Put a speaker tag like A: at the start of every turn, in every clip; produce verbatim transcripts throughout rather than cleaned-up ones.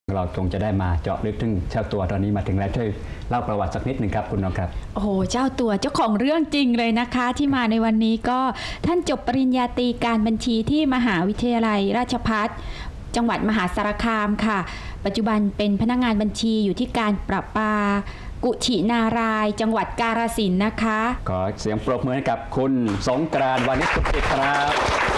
A: เราคงจะได้มาเจาะลึกถึงเจ้าตัวตอนนี้มาถึงแล้วช่วยเล่าประวัติสักนิดหนึ่งครับคุณน้องครับ
B: โอ้โหเจ้าตัวเจ้าของเรื่องจริงเลยนะคะที่มาในวันนี้ก็ท่านจบปริญญาตรีการบัญชีที่มหาวิทยาลัยราชภัฏจังหวัดมหาสารคามค่ะปัจจุบันเป็นพนักงานบัญชีอยู่ที่การประปากุชินารายจังหวัดกาฬสินธุ์นะคะ
A: ขอเสียงปรบมือให้กับคุณสงกรานต์ วานิชสุขจิตครับ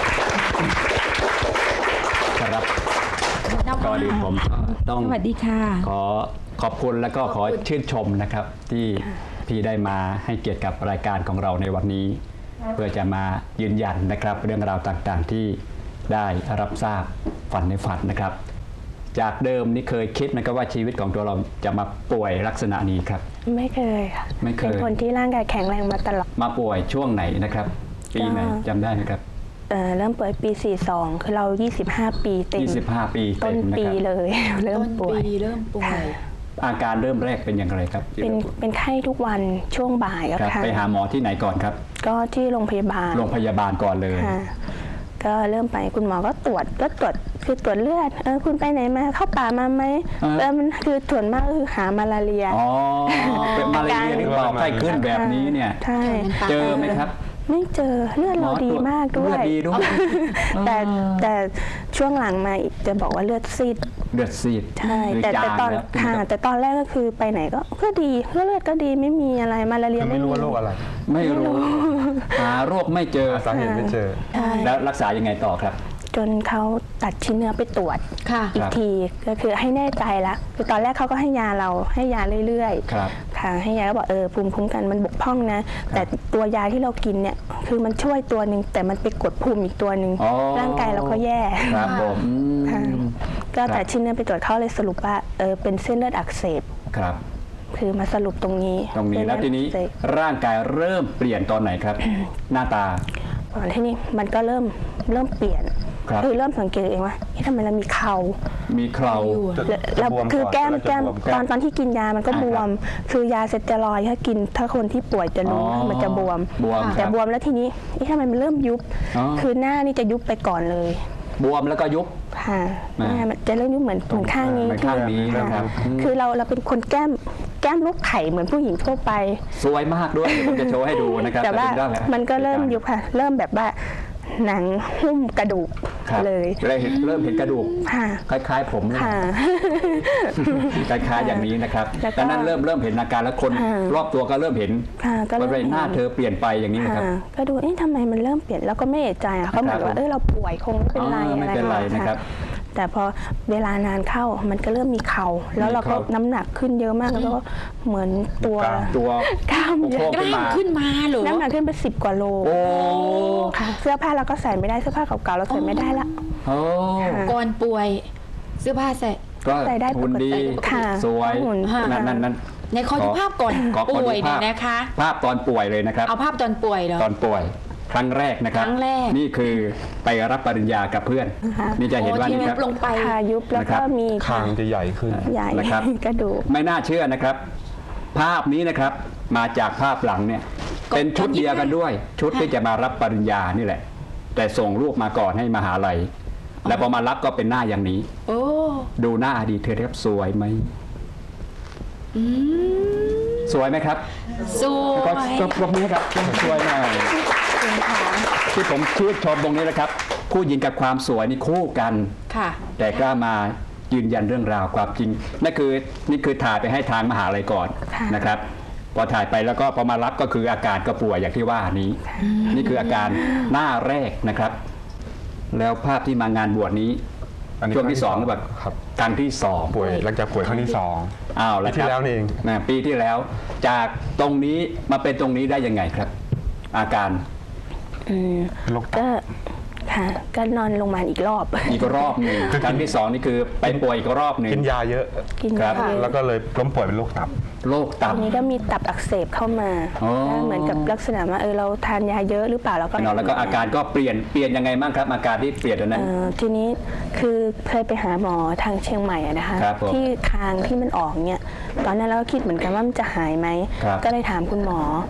A: ครับก็ดีผมต้อง
B: สวัสดีค่ะ
A: ขอขอบคุณและก็ขอชื่นชมนะครับที่พี่ได้มาให้เกียรติกับรายการของเราในวันนี้เพื่อจะมายืนยันนะครับเรื่องราวต่างๆที่ได้รับทราบฝันในฝันนะครับจากเดิมนี่เคยคิดไหมครับว่าชีวิตของตัวเราจะมาป่วยลักษณะนี้ครับ
C: ไม่เคยค่ะ
A: ไม่เคย
C: เป็นคนที่ร่างกายแข็งแรงมาตลอด
A: มาป่วยช่วงไหนนะครับปีไหนจำได้ไหมครับ
C: เอ่อเริ่มป่วยปีสี่สิบสองคือเรายี่สิบห้าปีเต็ม
A: ยี่สิบห้าปีเต็ม
C: ต้นปีเลยเริ่มป่วย
B: เริ่มป่วย
A: อาการเริ่มแรกเป็นอย่างไรครับ
C: เป็นเป็นไข้ทุกวันช่วงบ่ายก็ค่ะ
A: ไปหาหมอที่ไหนก่อนครับ
C: ก็ที่โรงพยาบาล
A: โรงพยาบาลก่อนเลย
C: ก็เริ่มไปคุณหมอก็ตรวจก็ตรวจคือตรวจเลือดเออคุณไปไหนมาเข้าป่ามาไหมเออมันคือส่วนมากคือหามาลาเรีย
A: อ๋อเป็นมาลาเรียหรือเปล่าไข้ขึ้นแบบนี้เนี่ย
C: ใช่
A: เจอไหมครับ
C: ไม่เจอเลือดเราดีมากด้วยแต่แต่ช่วงหลังมาจะบอกว่าเลือดซีด
A: เลือดซีด
C: ใช่แต่แต่ตอนค่ะแต่ตอนแรกก็คือไปไหนก็ก็ดีเลือดก็ดีไม่มีอะไรมาลาเรีย
D: ไม่รู้ว่าโรคอะไร
A: ไม่รู้หาโรคไม่เจอ
D: สาเหตุไม่เจอ
A: แล้วรักษายังไงต่อครับ
C: จนเขาตัดชิ้นเนื้อไปตรวจอีกทีก็คือให้แน่ใจละคือตอนแรกเขาก็ให้ยาเราให้ยาเรื่อยๆค่ะให้ยาก็บอกเออภูมิคุ้มกันมันบกพร่องนะแต่ตัวยาที่เรากินเนี่ยคือมันช่วยตัวหนึ่งแต่มันไปกดภูมิอีกตัวหนึ่งร่างกายเราก็แย่
A: ครับผม
C: ก็แต่ชิ้นเนื้อไปตรวจเขาเลยสรุปว่าเออเป็นเส้นเลือดอักเสบ
A: ครับ
C: คือมาสรุปตรงนี้
A: ตรงนี้แล้วทีนี้ร่างกายเริ่มเปลี่ยนตอนไหนครับหน้าตา
C: ตอนที่นี้มันก็เริ่มเริ่มเปลี่ยนคือเริ่มสังเกตเองว่าทำไมเรามีเข่า
A: มีเข่า
C: แล้วคือแก้มแก้มตอนตอนที่กินยามันก็บวมคือยาเซตรอยถ้ากินถ้าคนที่ป่วยจะรู้มันจะบวมแต่บวมแล้วทีนี้ทำไมมันเริ่มยุบคือหน้านี่จะยุบไปก่อนเลย
A: บวมแล้วก็ยุบ
C: ค่ะหน้ามันจะเริ่มยุบเหมือนเหมือนข้างนี้
A: ข้างนี้นะครับ
C: คือเราเราเป็นคนแก้มแก้มลูกไข่เหมือนผู้หญิงทั่วไป
A: สวยมากด้วยผมจะโชว์ให้ดูนะครับ
C: แต่ว่ามันก็เริ่มยุบค่ะเริ่มแบบว่าหนังหุ้มกระดูกเลย
A: เริ่มเห็นกระดูกคล้ายๆผมคล้ายๆอย่างนี้นะครับแต่นั้นเริ่มเริ่มเห็นอาการแล้วคนรอบตัวก็เริ่มเห็นว่าใบหน้าเธอเปลี่ยนไปอย่างนี้นะครับ
C: ก็ดูเอ๊ะทำไมมันเริ่มเปลี่ยนแล้วก็ไม่เอะใจอ่ะเขาเหมือนว่าเออเราป่วยคงไม่เป็นไร
A: อะไรนะครับ
C: แต่พอเวลานานเข้ามันก็เริ่มมีเข่าแล้วเราก็น้ำหนักขึ้นเยอะมากแล้วก็เหมือนตัว
A: ตัว
C: กล้ามเยอะ
B: กล้ามขึ้นมาหรือ
C: น้ำหนักขึ้นไปสิบกว่าโลค่ะเสื้อผ้าเราก็ใส่ไม่ได้เสื้อผ้าเก่าๆเราใส่ไม่ได้ละ
B: ก่อนป่วยเสื้อผ้าใส่
A: ก็ใส่ได้ปกติสวยนั่นนั่นนั่น
B: ในขอดูภาพก่อนป่วยเนี่ยนะคะ
A: ภาพตอนป่วยเลยนะครับ
B: เอาภาพตอนป่วยเหรอ
A: ตอนป่วยครั้งแรกนะครับนี่คือไปรับปริญญากับเพื่อนนี่จะเห็นว่านี่ครับ
C: ลงไปยุบแล้วก็มี
D: คางจะใหญ่ขึ้น
C: ใหญ่
A: นะครับ
C: กระดูก
A: ไม่น่าเชื่อนะครับภาพนี้นะครับมาจากภาพหลังเนี่ยเป็นชุดเดียวกันด้วยชุดที่จะมารับปริญญานี่แหละแต่ส่งรูปมาก่อนให้มหาลัยแล้วพอมารับก็เป็นหน้าอย่างนี้ดูหน้าอดีตเธอครับสวยไหมสวยไหมครับ
B: สวย
A: ก็ปรบมือครับสวยหน่อยที่ผมชื่นชมตรงนี้นะครับผู้หญิงกับความสวยนี่คู่กันแต่กล้ามายืนยันเรื่องราวความจริงนั่นคือนี่คือถ่ายไปให้ทางมหาลัยก่อนนะครับพอถ่ายไปแล้วก็พอมารับก็คืออาการก็ป่วยอย่างที่ว่านี้นี่คืออาการหน้าแรกนะครับแล้วภาพที่มางานบวชนี้ช่วงที่สองแบบครั้งที่สอง
D: ป่วยหลังจากป่วยครั้งที่สอง
A: อ้าวแล้ว
D: ปีที่แล้วเอง
A: ปีที่แล้วจากตรงนี้มาเป็นตรงนี้ได้ยังไงครับอาการ
C: ก็ค่ะก็นอนโรงพยาบาลอีกรอบ
A: อีกรอบหนึ่งครั้งที่สองนี่คือไปป่วยอีกรอบหนึ่ง
D: กินยาเยอะ
C: กินยา
D: แล้วก็เลยล้มป่วยเป็นโรคตับ
A: โรคตับ
C: นี้ก็มีตับอักเสบเข้ามาเหมือนกับลักษณะว่าเออเราทานยาเยอะหรือเปล่าแล้วก็
A: แล้วก็อาการก็เปลี่ยนเปลี่ยนยังไงบ้างครับอาการที่เปลี่ยนนั้น
C: ทีนี้คือเคยไปหาหมอทางเชียงใหม่นะคะที่คางที่มันออกเนี่ยตอนนั้นเราก็คิดเหมือนกันว่ามันจะหายไหมก็เลยถามคุณหมอ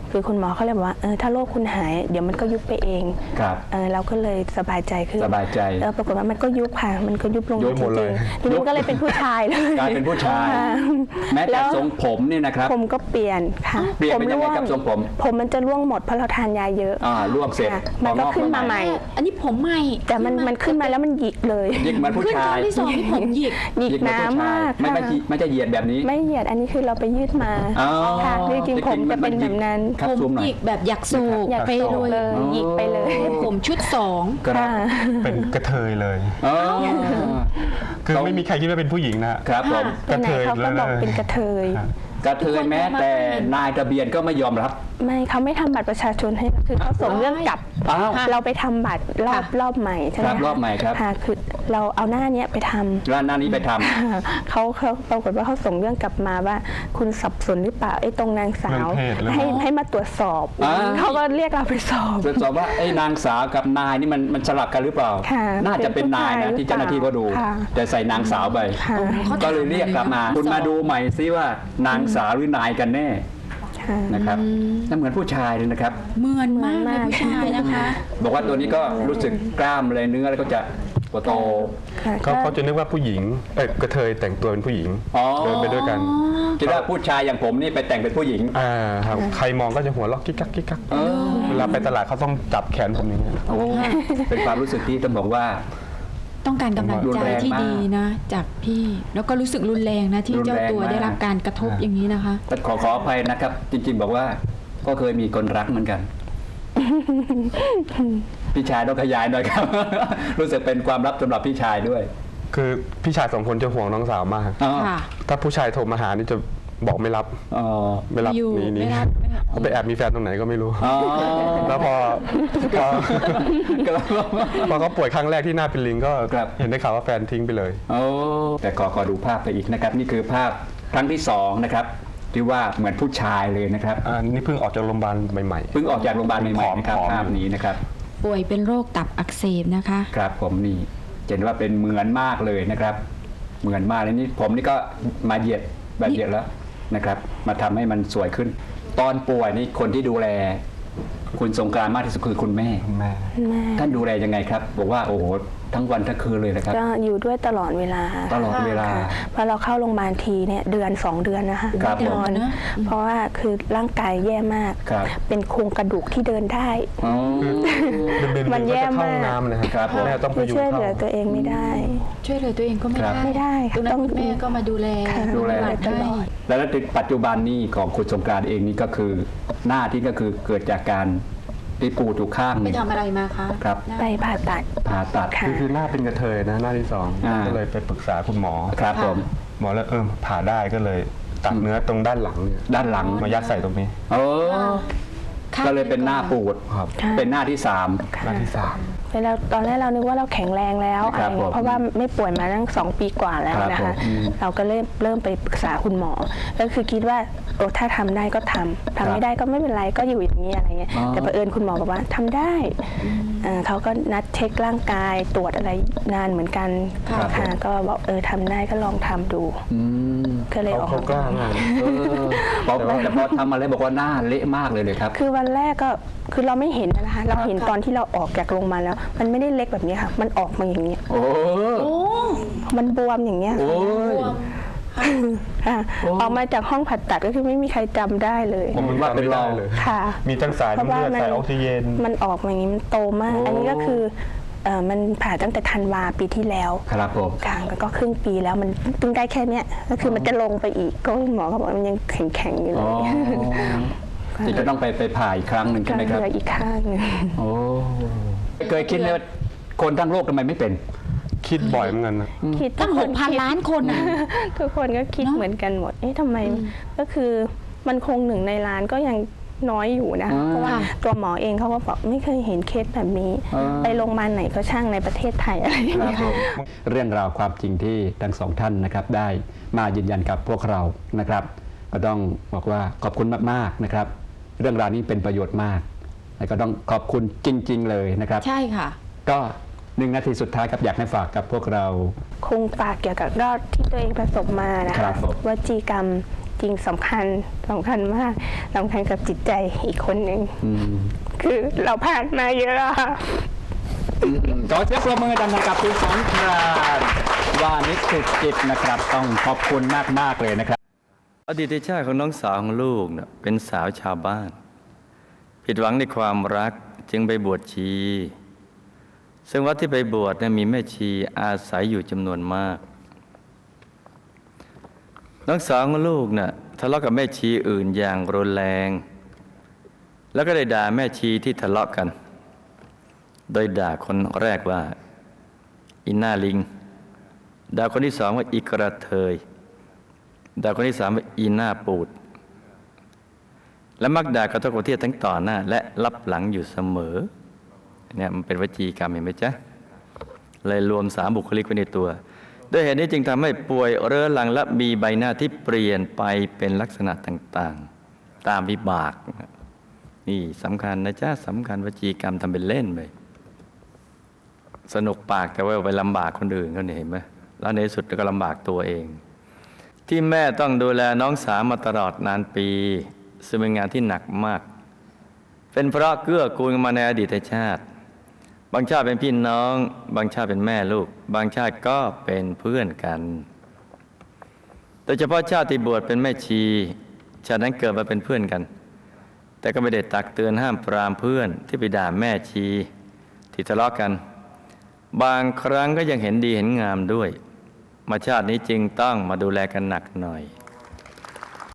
C: คือคุณหมอเขาเลยบอกว่าเออถ้าโรคคุณหายเดี๋ยวมันก็ยุบไปเอง
A: ครับ
C: เออเราก็เลยสบายใจขึ้น
A: สบายใจ
C: เออปรากฏว่ามันก็ยุบค่ะมันก็ยุบลง
D: ยุบหมดเลย
C: จริงๆทีนี้ก็เลยเป็นผู้ชายเลย
A: กลายเป็นผู้ชาย แม้แต่ทรงผมนี่นะครับ
C: ผมก็เปลี่ยนค่ะ
A: เปลี่ยนเป็นยังไงครับทรงผม
C: ผมมันจะร่วงหมดเพราะเราทานยาเยอะ
A: อ่าร่วงเสร็จ
C: ค่ะมันก็
A: พองอก
C: ขึ้น
A: มา
C: มา
A: ให
C: ให
A: ม่
C: ม่
B: อันนี้ผมใหม่
C: แต่มันมันขึ้นมาแล้วมันหยิกเลย
A: ยิกเหมือนผู้
B: ขึ้นค
A: ชา
B: รั้
A: ย
B: งที่สองที่ผมหยิก
C: หยิก
A: เหมือ
C: น้ำ
A: ผู้ช
C: มาก
A: ไม่
C: ค่ะ
A: ไม่ไม่จะเหยียดแบบนี้
C: ไม่เหยียดอันนี้คือเราไปยืดมา
A: อ๋อ
C: ค่ะจริงๆผมจะเป็นแบบนั้น
A: ครับ
B: ผม
A: ซูมหน่
B: ห
A: อย
B: ยิกแบบอยากสูบ
C: อยาก
B: ไป
C: สูบ
B: เลย
C: เลยหยิกไปเลย
B: ผมชุดสอง
A: ครับ
C: ค่ะ
D: เป็นกระเทยเลย
A: อ๋อ
D: คือไม่มีใครคิดว่าเป็นผู้หญิงนะครับ
A: ผม
C: ไปไหนเขาก็บอกเป็นกระเทย
A: กระเทยแม้แต่นายทะเบียนก็ไม่ยอมรับ
C: ไม่เขาไม่ทำบัตรประชาชนให้คือเขาส่งเรื่องกลับ
A: อ้าว
C: เราไปทำบัตรรอบรอบใหม่ใช่ไหม
A: ครับ
C: คะ
A: รอบใหม่ครับ
C: ค่ะคือเราเอาหน้าเนี้ยไปทำ
A: ร้านหน้านี้ไปทำ
C: เขาเขาปรากฏว่าเขาส่งเรื่องกลับมาว่าคุณสับสนหรือเปล่าไอ้ตรงนางสาว
D: เรื่องเพศเรื่อง
C: ให้ให้มาตรวจสอบ
A: อ่า
C: เขาก็เรียกเราไปสอบ
A: ตรวจสอบว่าไอ้นางสาวกับนายนี่มันมันสลับกันหรือเปล่า
C: ค่ะ
A: น่าจะเป็นนายนะ
C: เป็นผู้ชาย
A: ที่เจ้าหน้าที่ก็ดู
C: ค่ะ
A: แต่ใส่นางสาวไป
C: ค่ะ
A: ก็เลยเรียกกลับมา คุณมาดูใหม่ซิว่านางสาวหรือนายกันแน่
C: ค่ะ
A: นะครับนั่นเหมือนผู้ชายเลยนะครับ
B: เหมือนมากเลยผู้ชายนะคะ
A: บอกว่าตัวนี้ก็รู้สึกกล้ามอะไรเนื้ออะไรก็จะตัวโต
C: ค่ะ
D: เขา
C: ก็
D: เขาจะนึกว่าผู้หญิงเอ้ยกระเทยแต่งตัวเป็นผู้หญิง
A: อ๋อ
D: เดินไปด้วยกัน
A: คิดว่าผู้ชายอย่างผมนี่ไปแต่งเป็นผู้หญิง
D: อ่าครับใครมองก็จะหัวเราะกิ๊กกักกิ๊กกัก
A: เออ
D: เวลาไปตลาดเขาต้องจับแขนผมอย่างเงี้ย
A: โอ้เป็นความรู้สึกที่ต้องบอกว่า
B: ต้องการกำลัง
A: รุน
B: ใจ
A: แรง
B: ที่
A: มาก
B: ดีนะ จากพี่ แล้วก็รู้สึกรุนแรงนะที่
A: รุนแรง
B: เจ้าตัว
A: มาก
B: ได้รับการกระทบอย่างนี้นะคะ
A: แต่ขอขออภัยนะครับ จริงๆบอกว่าก็เคยมีคนรักเหมือนกัน พี่ชายต้องขยายหน่อยครับ รู้สึกเป็นความลับสำหรับพี่ชายด้วย
D: คือพี่ชายสองคนจะห่วงน้องสาวมาก
A: อ๋อ
B: ค่ะ
D: ถ้าผู้ชายโทรมาหานี่จะบอกไม่รับ
A: อ๋อ
D: ไม่รับ
B: อยู่
D: หนีหนี
B: ไม่รับไม่รับ
D: เขาไปแอบมีแฟนตรงไหนก็ไม่รู้
A: อ๋อ
D: แล้วพอพอ พอเขาป่วยครั้งแรกที่หน้าเป็นลิงก็
A: ครับ
D: เห็นได้ข่าวว่าแฟนทิ้งไปเลย
A: โอ้แต่ขอขอดูภาพไปอีกนะครับ นี่คือภาพครั้งที่สองนะครับที่ว่าเหมือนผู้ชายเลยนะครับ
D: อ่านี่เพิ่งออกจากโรงพยาบาลใหม่
A: เพิ่งออกจากโรงพยาบาลใหม่ๆนะครับ
D: ผอมๆ
A: ภาพนี้นะครับ
B: ป่วยเป็นโรคตับอักเสบนะคะ
A: ครับผมนี่เห็นว่าเป็นเหมือนมากเลยนะครับ เหมือนมากเลยนี่ผมนี่ก็มาเหยียดแบบเหยียดแล้วนะครับ มาทำให้มันสวยขึ้น ตอนป่วยนี่คนที่ดูแล คุณสงกรานต์มากที่สุดคือคุณแม่
D: ๆแม่
C: แม่
A: ท่านดูแลยังไงครับบอกว่าโอ้โหทั้งวันทั้งคืนเลยนะครับ
C: ก็อยู่ด้วยตลอดเวลา
A: ตลอดเวลา
C: ค่ะพอเราเข้าโรงพยาบาลทีเนี่ยเดือนสองเดือนนะคะ
A: ครับผม
C: นอน
B: นะ
C: เพราะว่าคือร่างกายแย่มาก
A: ครับ
C: เป็นโครงกระดูกที่เดินได้
A: อ๋อ
D: เดินๆ
C: มัน
D: ก็
C: แย่
D: จะเข้าห้อง
C: มาก
D: น้ำนะค
A: ครั
D: รั
A: บบ ผม
D: แม่ต้องพ
C: คือ
D: ยุง
C: ช่วยเห
D: เข้า
C: ลือตัวเองไม่ได้
B: ช่วยเหลือตัวเองก็ไม่
A: ครับ
B: ได้
C: ไม่ได้ค่ะ
B: ตรงนั้น
C: ต้อง
B: คุณแม่ก็มาดูแล
C: ค่ะ
A: ดูแล
C: ตลอด
A: แล้วในปัจจุบันนี้ของคุณสงกรานต์เองนี่ก็คือหน้าที่ก็คือเกิดจากการที่ปูถูกข้างห
B: ไป
A: นึ่ง
B: ทำอะไรมาคะ
A: ครับ
C: ไปผ่าตัด
A: ผ่าตัด
C: ค่ะ
D: คือคือหน้าเป็นกระเทยนะหน้าที่สอง
A: อ่า
D: ก็เลยไปปรึกษาคุณหมอ
A: ครับผม
D: หมอแล้วเออผ่าได้ก็เลยตัดเนื้อตรงด้านหลังเนี่ย
A: ด้านหลัง
D: มายัดใส่ตรงนี้
A: โอ้
B: ค่ะ
A: ก็เลยเป็นหน้าปูด
D: ครับ
A: เป็นหน้าที่สาม
D: หน้าที่สาม
C: เวลาตอนแรกเรานึกว่าเราแข็งแรงแล้วอะ
A: ค
C: ไร
A: รับ
C: เงี้
A: ผม
C: ยเพราะว่าไม่ป่วยมาตั้งสองปีกว่าแล้ว
A: ครับ
C: นะคะ
A: ผมอืม
C: เราก็เริ่มเริ่มไปปรึกษาคุณหมอ ก็คือคิดว่าโอ้ถ้าทำได้ก็ทำทำไม่ได้ก็ไม่เป็นไรก็อยู่อย่างนี้อะไรเงี้ย
A: อ๋อ
C: แต่เผอิญคุณหมอบอกว่าทำได้เอ่อเขาก็นัดเช็คร่างกายตรวจอะไรนานเหมือนกัน
A: ครับ
C: ค่ะก็บอกเออทำได้ก็ลองทำดู
A: อืม
C: ก็เลยอ
D: เขา
C: อก
D: เขากล้ามาก
A: เออบอกแต่พอทำมาแล้วบอกว่าหน้าเละมากเลยเลยครับ
C: คือวันแรกก็คือเราไม่เห็นนะคะ เราเห็นตอนที่เราออกจากโรงพยาบาลแล้ว มันไม่ได้เล็กแบบนี้ค่ะ มันออกมาอย่างนี้ย
A: โอ้
B: โอ้
C: มันบวมอย่างเงี้ย
A: โอ้ย
C: ค่ะ
A: โอ้
C: ออกมาจากห้องผ่าตัดก็คือไม่มีใครจำได้เลย
D: ผมมันว่าเป็นเราเลย
C: ค่ะ
D: มีทั้งสาย
C: เพราะ
D: น้ำ
C: ว่า
D: เลือด
C: มัน
D: สายออกซิเจน
C: มันออกมาอย่างนี้มันโตมาก
A: โอ้
C: อันนี้ก็คือเอ่อมันผ่าตั้งแต่ธันวาปีที่แล้ว
A: ครับผม
C: กลางก็ครึ่งปีแล้วมันเพิ่งได้แค่เนี้ยก็คือมันจะลงไปอีกก็หมอก็บอกว่ามันยังแข็งๆอยู่เล
A: อ๋อย ที่จะต้องไปไปผ่าอีกครั้งหนึ่ง
C: ก็
A: ใช่ไหม
C: เห
A: ครับ
C: ลืออีกข้างหนึง
A: โอ้เคยคิดไหมว่าคนทั้งโลกทำไมไม่เป็น
D: คิดบ่อยเหมือนกันนะ
C: คิด
B: ตั้งหกพันล้านคนอ่ะ
C: ทุกคนก็คิด
B: เนอะ
C: เหมือนกันหมด เอ๊ะทำไมก็คือมันคงหนึ่งในล้านก็ยังน้อยอยู่นะ
A: อ่า
C: เพราะว่าตัวหมอเองเขาก็บอกไม่เคยเห็นเคสแบบนี้
A: อ่า
C: ไปโรงพยาบาลไหนก็ช่างในประเทศไทยอะไรอย่าง
A: ครั
C: เงี้
A: บ
C: ย
A: ผมเรื่องราวความจริงที่ทั้งสองท่านนะครับได้มายืนยันกับพวกเรานะครับ ก็ต้องบอกว่าขอบคุณมากๆนะครับ เรื่องราวนี้เป็นประโยชน์มากและก็ต้องขอบคุณจริง ๆ เลยนะครับ
B: ใช่ค่ะ
A: ก็หนึ่งนาทีสุดท้ายครับอยากให้ฝากกับพวกเรา
C: คงฝากเกี่ยวกับรอดที่ตัวเองประสบมานะ
A: ครั
C: คะ
A: บผม
C: วจีกรรมริงๆสำคัญสำคัญมากสำคัญกับจิตใจอีกคนหนึ่ง
A: อืม
C: คือเราผ่านมาเยอะอะค่ะ
A: ขอเสียงปรบมือดังๆกับคุณสังครานวานิชสุดจิตนะครับ ต้องขอบคุณมากๆเลยนะครับ
E: อดีตชาติของน้องสาวของลูกเนี่ยเป็นสาวชาวบ้าน ผิดหวังในความรักจึงไปบวชชี ซึ่งวัดที่ไปบวชเนี่ยมีแม่ชีอาศัยอยู่จำนวนมาก น้องสาวของลูกเนี่ยทะเลาะกับแม่ชีอื่นอย่างรุนแรง แล้วก็ได้ด่าแม่ชีที่ทะเลาะกัน โดยด่าคนแรกว่าอินหน้าลิงด่าคนที่สองว่าอีกระเทยด่าคนที่สามว่าอีหน้าปูด และมักด่ากระทบกระเทียบทั้งต่อหน้า และรับหลังอยู่เสมอเนี่ยมันเป็นวจีกรรมเห็นไหมจ๊ะเลยรวมสามบุคลิกไว้ในตัวด้วยเหตุนี้จึงทำให้ป่วยเรื้อรังและมีใบหน้าที่เปลี่ยนไปเป็นลักษณะต่างๆตามวิบากนี่สำคัญนะจ๊ะสำคัญวจีกรรมทำเป็นเล่นไปสนุกปากแต่ว่าไปลำบากคนอื่นเขาเนี่ยเห็นไหมแล้วในที่สุดก็ลำบากตัวเองที่แม่ต้องดูแลน้องสาวมาตลอดนานปีซึ่งเป็นงานที่หนักมากเป็นเพราะเกื้อกูลกันมาในอดีตชาติบางชาติเป็นพี่น้องบางชาติเป็นแม่ลูกบางชาติก็เป็นเพื่อนกันโดยเฉพาะชาติที่บวชเป็นแม่ชีชาตินั้นเกิดมาเป็นเพื่อนกันแต่ก็ไม่ได้ตักเตือนห้ามปรามเพื่อนที่ไปด่าแม่ชีที่ทะเลาะกันบางครั้งก็ยังเห็นดีเห็นงามด้วยมาชาตินี้จึงต้องมาดูแลกันหนักหน่อย